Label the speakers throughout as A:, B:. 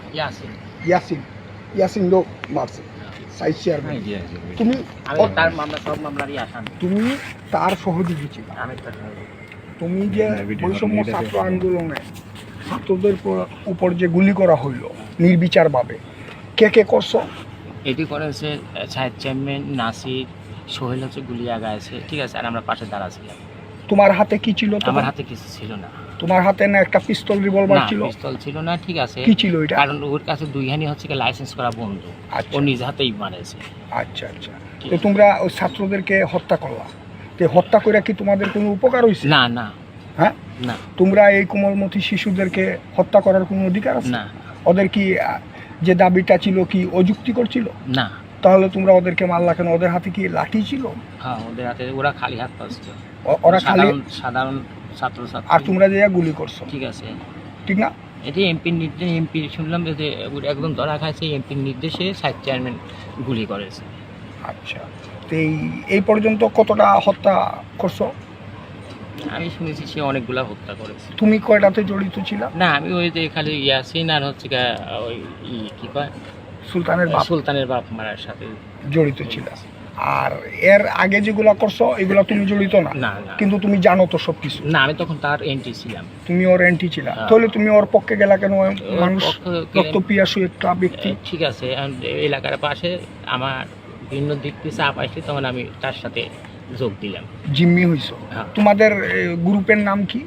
A: ইয়াসিন
B: ইয়াসিন ইয়াসিন লোক মারছে side chairman তুমি
A: আমি তার মামলা সব মামলারই আসামি
B: তুমি তার সহযোগী ছিল
A: আমি তার
B: তুমি যে বৈষম্য ছাত্র আন্দোলনে ছাত্রদের উপর যে গুলি করা হইল নির্বিচারভাবে কে কে করছো?
A: এটি করেছে সাহেব চেয়ারম্যান নাসির সোহেল হচ্ছে গুলিয়া গাইছে, ঠিক আছে, আর আমরা পাশে দাঁড়া ছিলাম।
B: তোমার হাতে কি ছিল?
A: আমার হাতে কিছু ছিল না।
B: তোমার হাতে না একটা পিস্তল রিভলভার ছিল?
A: পিস্তল ছিল না, ঠিক আছে।
B: কি ছিল এটা?
A: কারণ ওর কাছে দুইখানি হচ্ছে কি লাইসেন্স করা বন্ধু, ও নিজ হাতেই মারেছে।
B: আচ্ছা আচ্ছা, তো তোমরা ওই ছাত্রদেরকে হত্যা করলা, তো হত্যা করে কি তোমাদের কোনো উপকার হয়েছে?
A: না না।
B: হ্যাঁ
A: না।
B: তোমরা এই কোমলমতি শিশুদেরকে হত্যা করার কোনো অধিকার আছে
A: না?
B: ওদের কি যে দাবিটা ছিল কি অযুক্তিকর ছিল?
A: না।
B: তাহলে তোমরা ওদেরকে মারলা কেন? ওদের হাতে কি লাঠি ছিল?
A: হ্যাঁ, ওদের হাতে ওরা খালি হাত পাচ্ছে,
B: ওরা খালি
A: সাধারণ ছাত্র ছাত্রী।
B: আর তোমরা যে গুলি করছো,
A: ঠিক আছে,
B: ঠিক না?
A: এটি এমপির নির্দেশ, এমপি শুনলাম যে একদম ধরা খাইছে, এমপির নির্দেশে সাইড চেয়ারম্যান গুলি করেছে।
B: আচ্ছা, তো এই পর্যন্ত কতটা হত্যা করছো?
A: আমি শুনেছি সে অনেকগুলা হত্যা করেছে।
B: তুমি কয়টাতে জড়িত ছিল?
A: না, আমি ওই যে খালি ইয়াসিন আর হচ্ছে ওই কি কয় সুলতানের বাপ মারার সাথে
B: জড়িত ছিল। আর এর আগে যেগুলা করছো এগুলা তুমি জড়িত না?
A: না।
B: কিন্তু তুমি জানো তো সবকিছু?
A: না, আমি তখন তার এন্ট্রি ছিলাম।
B: তুমি ওর এন্টি ছিলা, তাহলে তুমি ওর পক্ষে গেলা কেন? মানুষ রক্তপিয়াসু একটা ব্যক্তি।
A: ঠিক আছে, এলাকার পাশে আমার ভিন্ন দিক থেকে চাপ আসছে, তখন আমি তার সাথে যোগ দিলাম।
B: জিম্মি হইছো। তোমাদের গ্রুপের নাম কি?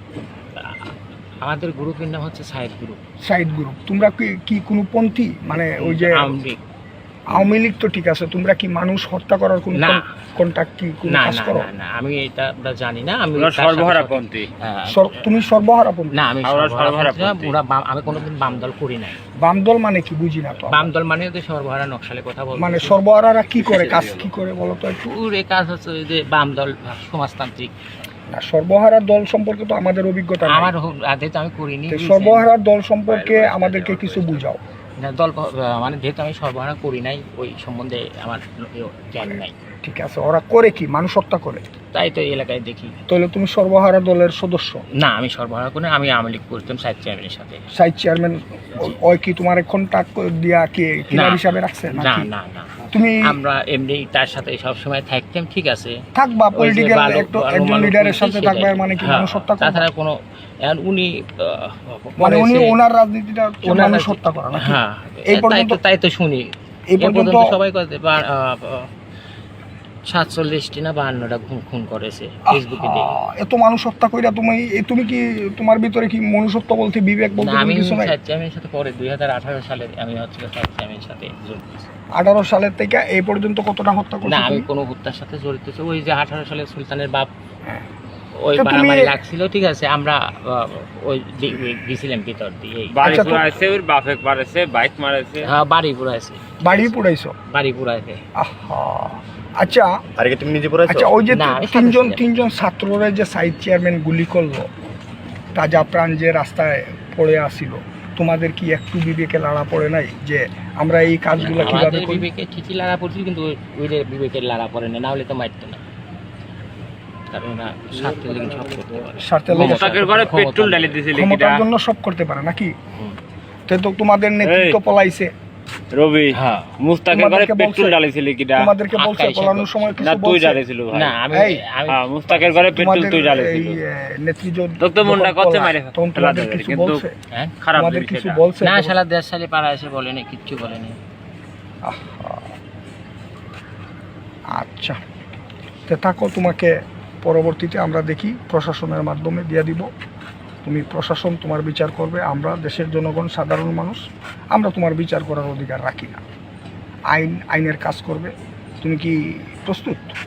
A: আমাদের গ্রুপের নাম হচ্ছে সাইড গ্রুপ।
B: Side group. তোমরা কি কোনো পন্থী, মানে ওই যে আওয়ামী লীগ? তো ঠিক আছে, তোমরা কি মানুষ হত্যা করার কোনো কন্টাক্ট কি কোনো কাজ করো?
A: না, আমি এটা জানি না। আমি
C: সর্বহারাপন্থী।
B: তুমি সর্বহারাপন্থী?
A: না, আমি সর্বহারাপন্থী। আমি কোনোদিন বাম দল করি নাই।
B: বাম দল মানে কি বুঝি না তো।
A: বাম দল মানে ওদের সর্বহারা নকশালে কথা বল।
B: মানে সর্বহারারা কি করে, কাজ কি করে বলো তো একটু?
A: এই কাজ হচ্ছে যে বাম দল সমাজতান্ত্রিক।
B: না, সর্বহারা দল সম্পর্কে তো আমাদের অভিজ্ঞতা নেই।
A: আমার আদে তো আমি করিনি।
B: সর্বহারা দল সম্পর্কে আমাদেরকে কিছু বুঝাও।
A: দল মানে যেহেতু আমি সর্বহারা করি নাই, ওই সম্বন্ধে আমার জ্ঞান নাই।
B: ঠিক আছে, ওরা করে কি? মানুষ হত্যা করে?
A: তাই তো এলাকায় দেখি।
B: তাহলে তুমি সর্বহারা দলের সদস্য?
A: না, আমি সর্বহারা করি, আমি আওয়ামী লীগ করতাম সাইড চেয়ারম্যানের সাথে।
B: সাইড চেয়ারম্যান ওই কি তোমার কন্টাক্ট দিয়া কি কিলার হিসাবে রাখছে?
A: না না না,
B: তুমি
A: আমরা এমনি তার সাথে সব সময় থাকতাম, ঠিক আছে।
B: থাকবা পলিটিক্যাল একজন লিডারের সাথে থাকবা মানে কি মানুষ হত্যা করা?
A: তাছাড়া কোনো উনি
B: মানে উনি ওনার রাজনীতিটা মানুষ হত্যা করা না?
A: হ্যাঁ,
B: এই পর্যন্ত
A: তাই তো শুনি।
B: এই পর্যন্ত
A: সবাই কত 47টি না 52টা খুন করেছে ফেসবুকে দেখি।
B: এত মানুষ হত্যা কইরা তুমি কি তোমার ভিতরে কি মনুষ্যত্ব বলতে, বিবেক বলতে কিছু নাই?
A: আমি সাথে পরে 2018 সালে আমি হচ্ছে সাইড সাথে যোগ দিয়েছি।
B: 18 সালের থেকে এই পর্যন্ত কতটা হত্যা করছো?
A: না, আমি কোনো হত্যার সাথে জড়িত ছিল। ওই যে 18 সালে সুলতানের বাপ ওই বাড়াবাড়ি লাগছিল, ঠিক আছে, আমরা ওই গেছিলাম ভিতর দিয়ে।
C: বাড়ি পুরাইছে, ওর বাপে মারেছে, বাইক মারেছে।
A: হ্যাঁ, বাড়ি পুরাইছে।
B: বাড়ি পুরাইছো?
A: বাড়ি পুরাইছে।
B: আহা, আচ্ছা।
C: আরে তুমি নিজে পুরাইছো?
B: আচ্ছা, ওই যে তিনজন ছাত্ররা যে সাইড চেয়ারম্যান গুলি করলো, তাজা প্রাণ যে রাস্তায় পড়ে আসিল, তোমাদের কি একটু বিবেকে লাড়া পড়ে নাই যে আমরা এই কাজগুলো কিভাবে করি?
A: বিবেকে ঠিকই লাড়া পড়ছিল, কিন্তু ওই বিবেকের লাড়া পড়ে না, হলে তো মারতো না। কারণ ওরা স্বার্থের লেগে সব করতে পারে।
C: মুস্তাকের ঘরে পেট্রোল ঢালি দিয়েছিল,
B: ক্ষমতার জন্য সব করতে পারে নাকি? তো তোমাদের নেতৃত্ব পলাইছে।
C: রবি, হ্যাঁ, মুস্তাকের ঘরে পেট্রোল ঢালিছিল কিডা?
B: তোমাদেরকে বলছে পলানোর সময় কিছু বলছে?
C: না, তুই ঢালিছিল ভাই।
A: না, আমি
C: মুস্তাকের ঘরে পেট্রোল তুই ঢালিছিল।
B: নেতৃত্ব
C: তো মনটা করতে মারে
B: তোমাদের কিছু বলছে?
A: হ্যাঁ,
C: খারাপ
B: তোমাদের কিছু বলছে?
A: না, শালা 10 সালে পাড়া এসে বলেনি, কিচ্ছু বলেনি।
B: আচ্ছা, তো থাকো, তোমাকে পরবর্তীতে আমরা দেখি প্রশাসনের মাধ্যমে দিয়ে দিব। তুমি প্রশাসন তোমার বিচার করবে। আমরা দেশের জনগণ, সাধারণ মানুষ, আমরা তোমার বিচার করার অধিকার রাখি না। আইনের কাজ করবে। তুমি কি প্রস্তুত?